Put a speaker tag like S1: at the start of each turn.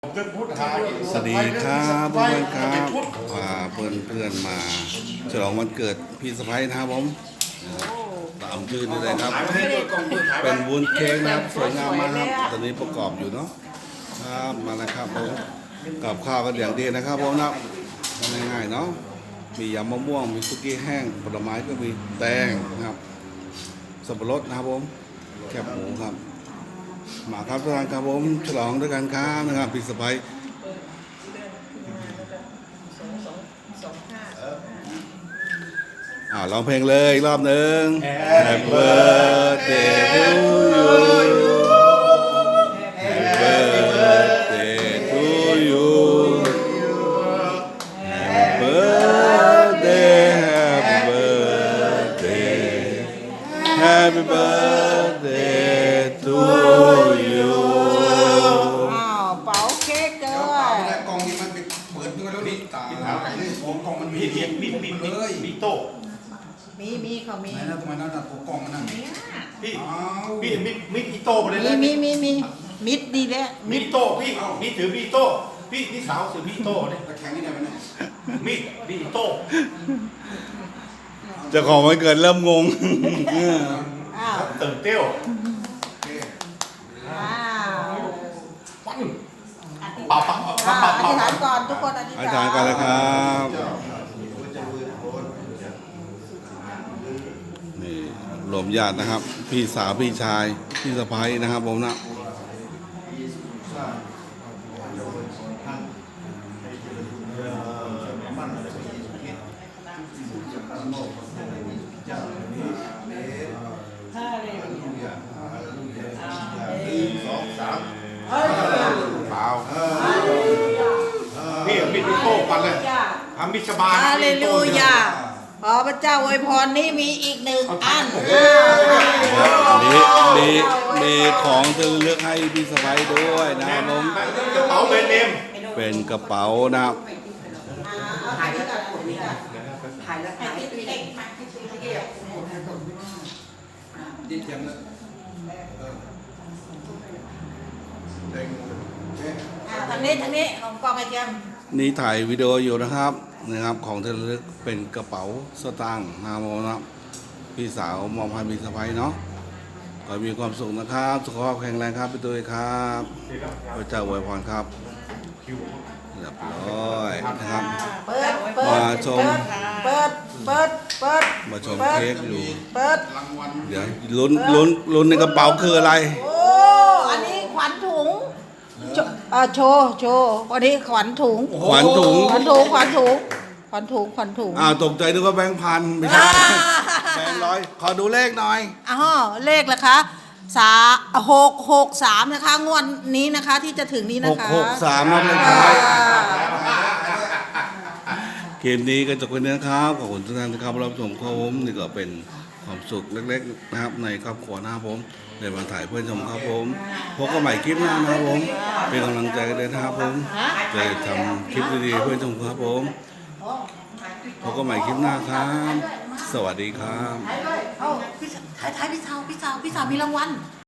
S1: สวัสดีครับเพื่อนๆครับพาเพื่อนๆมาฉลองวันเกิดพี่สะใภ้นะครับผมตามชื่อนี่เลยครับเป็นวุ้นเค้กนะครับสวยงามมากครับตอนนี้ประกอบอยู่เนาะครับมาแล้วครับผมกับข้าวกันอย่างดีนะครับผมนะง่ายๆเนาะมียำมะม่วงมีซุกี้แห้งผลไม้ก็มีแตงนะครับสับปะรดนะครับผมแคบหมูครับมาครับทุกท่านครับผมฉลองด้วยกันครับนะครับพี่สะใภ้ร้องเพลงเลยรอบหนึ่ง Happy birthday to you Happy birthday to you Happy birthday Happy birthday Happy birthday to you
S2: เป๋าเค้กเกิน
S3: กล่องนี้มันเป็นเปิดด้วยแล้วนี่ตาของกล่องมันมีมีโต๊ะ
S2: มีเขามี
S3: ไหนนะทำไมนั่นน่ะกล่องมันนั่น
S4: พี่มีอีโต้ไปเลยนะ
S2: มีมิดดีแล้ว
S4: มีโต้พี่ถือมีโต้พี่สาวถือมีโต้เนี่ย
S3: ตะแคงนี่ได้ไหมเนี่ย
S4: มีโต้
S1: เจ้าของวันเกิดเริ่มงง
S2: อ้าว
S4: ตื่นเต้ว
S2: อ้าว
S4: ปับ
S2: อธิษฐานก่อนทุกคนอธิษ
S1: อา
S2: ฐาน
S1: จารย์กันเลยครับนี่รวมญาตินะครับ พี่สาวพี่ชายพี่สะใภ้นะครับผมนะเปล่า
S4: พี่มีโต้ปันเลยทำมิชบา
S2: ฮาเลลูยาขอพระเจ้าอวยพรนี่มีอีกหนึ่งอัน
S1: มีของจะเลือกให้พี่สะใภ้ด้วยนะครับผม
S4: กระเป๋าแบรนด์เนม
S1: เป็นกระเป๋านะครับ
S2: ถ่ายแล้วกัน
S3: ดิ้นยังเลยเด้ง
S2: ทางนี้ของกองไอเจียม
S1: นี่ถ่ายวิดีโออยู่นะครับของที่ระลึกเป็นกระเป๋าสตางค์นะครับพี่สาวมอบให้พี่สะใภ้เนาะขอให้มีความสุขนะครับสุขภาพแข็งแรงครับพี่ตุ้ยครับพระเจ้าอวยพรครับเรียบร้อยนะครับ มาชม
S2: เปิด
S1: มาชมเค้กอยู่
S2: เปิด
S3: รางวัล
S1: เดี๋ยวลุ้นในกระเป๋าคืออะไร
S2: โอ้อันนี้ขวัญถุงโชว์วันนี้ขวัญถุง
S1: ขวัญถุง ตกใจนึกว่าแบงค์พันไม่ใช่แบงค์ร้อยขอดูเลขหน่อย
S2: เลขละคะ663นะคะงวดนี้นะคะที่จะถึงนี้นะคะ
S1: 663ครับเลขท้ายเกมนี้ก็จบไปแล้วนะครับขอบคุณทุกท่านที่เข้ามารับชมครับผมนี่ก็เป็นความสุขเล็กๆนะครับในครอบครัวนะครับผมในวันถ่ายเพื่อนชมครับผมพบกันใหม่คลิปหน้านะครับผมเป็นกำลังใจกันเลยนะครับผมจะทำคลิปดีๆเพื่อนชมครับผมพบกันใหม่คลิปหน้าครับสวัสดีครับ
S2: ถ่ายพี่สาวมีรางวัล